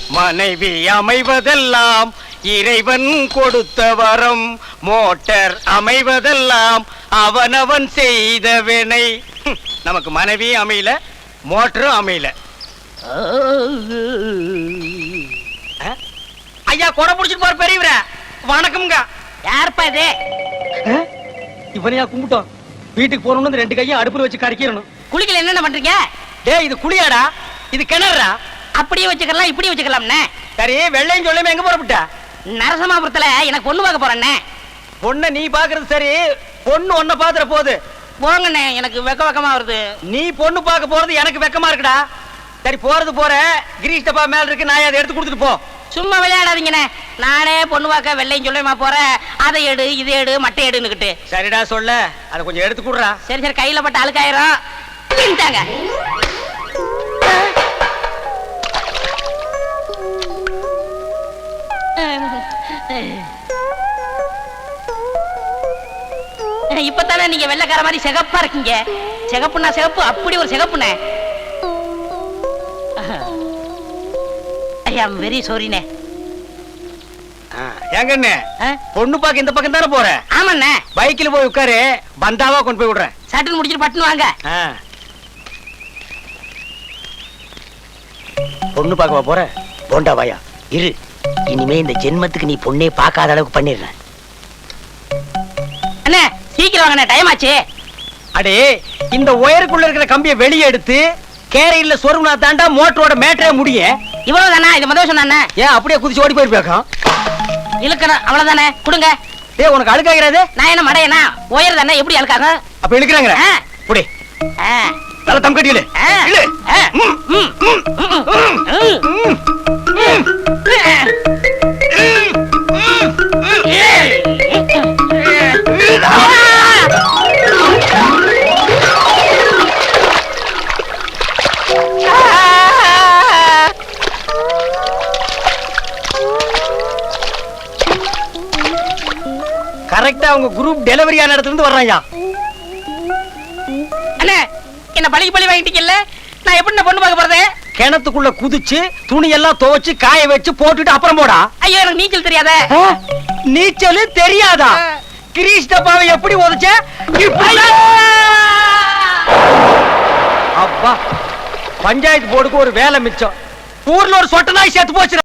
மனைவி அமைவதெல்லாம் இறைவன் கொடுத்த வரம், மோட்டார் அமைவதெல்லாம் அவனவன் செய்த வினை. நமக்கு மனைவி அமையல, மோட்டரும் அமையல. ஐயா கொடை புடிச்சிட்டு போற பெரியவர வணக்கம்ங்க. யாருப்பா இது? இவனையா கும்பிட்டோம். வீட்டுக்கு போறோம்னு 2 கையும் அடுப்புல வச்சு கறிக்கணும். குளிக்கல என்னென்ன பண்றீங்க? டேய் இது குளியாடா, இது கிணறா. அப்படியே வச்சுக்கலாம், இப்படியே வச்சுக்கலாம்ண்ணே. சரி, வெள்ளையும் சொல்லாம எங்க போறப்பட்ட? நரசமாபுரத்துல எனக்கு பொண்ணு பார்க்க போறேன்னே. பொண்ணை நீ பாக்குறது சரி, பொண்ணு ஒன்ன பாத்துற போகுது. போங்கண்ணே, எனக்கு வெக்கமா வருது. நீ பொண்ணு பார்க்க போறது எனக்கு வெக்கமா இருக்குடா. சரி போறது போற, கிரீஷ் டப்பா மேல இருக்கு, நான் அதை எடுத்து கொடுத்துட்டு போ. சும்மா விளையாடாதீங்கண்ணே. நானே பொண்ணு பார்க்க வெள்ளையும் சொல்லுமா போறேன். அதை எடு, இதை எடு, மட்டை எடுன்னுக்கிட்டு. சரிடா சொல்ல, அதை கொஞ்சம் எடுத்து கொடுறா. சரி சரி, கையில பட்ட அழுக்காயிரம். பின்ட்டாங்க. இப்பதானே நீங்க வெள்ளைக்கார மாதிரி சிகப்பா இருக்கீங்க. சிகப்புனா சிகப்பு, அப்படி ஒரு சிகப்புண்ணே. ஐயா வெரி சாரிண்ணே. ஏங்கண்ணே, பொண்ணு பார்க்க இந்த பக்கம் தானே போற? ஆமாண்ணே. பைக்கில் போய் உட்காரு, பந்தாவா கொண்டு போய் விடுறேன். சட்டுன்னு முடிச்சிட்டு பட்டுன்னு வாங்க. பொண்ணு பார்க்க போற? போண்டா வாயா இரு. இனிமே இந்த ஜென்மத்துக்கு நீ பொண்ணே பார்க்காத அளவுக்கு பண்ணிடுறேன். அண்ணே சீக்கிரம் வாங்கண்ணே, டைம் ஆச்சு. அடே, இந்த ஒயருக்குள்ள இருக்கிற கம்பியை வெளியே எடுத்து கேரையில சொருகுனா தாண்டா மோட்டரோட மேட்டரே முடியும். இவ்வளவுதானா? இது முதல் சொன்னானே. ஏன் அப்படியே குதிச்சு ஓடி போயிருப்பேக்கா? இழுக்கணும், அவ்வளவுதானே. கொடுங்க. ஏ உனக்கு அழுக்காகிறது? நான் என்ன மடையனா? ஒயர் தானே, எப்படி அழுக்காக? அப்ப இழுக்கிறாங்க. புடி நல்ல தம் கட்டியில இழு. கரெக்டா அவங்க குரூப் டெலிவரி ஆன இடத்துல இருந்து வர்றாங்க. அண்ணே என்ன பழி வாங்கிட்டீங்கல்ல, நான் எப்படி பொண்ணு பார்க்க போறது? கிணத்துக்குள்ள குதிச்சு துணி எல்லாம் துவைச்சு காய வச்சு போட்டுட்டு அப்புறம் போடா. ஐயோ எனக்கு நீச்சல் தெரியாத. நீச்சல் தெரியாதா? கிரீஷ் டப்பாவை எப்படி உதைச்ச? அப்பா, பஞ்சாயத்து போர்டுக்கு ஒரு வேலை மிச்சம். ஊர்ல ஒரு சொட்ட நாய் செத்து போச்சு.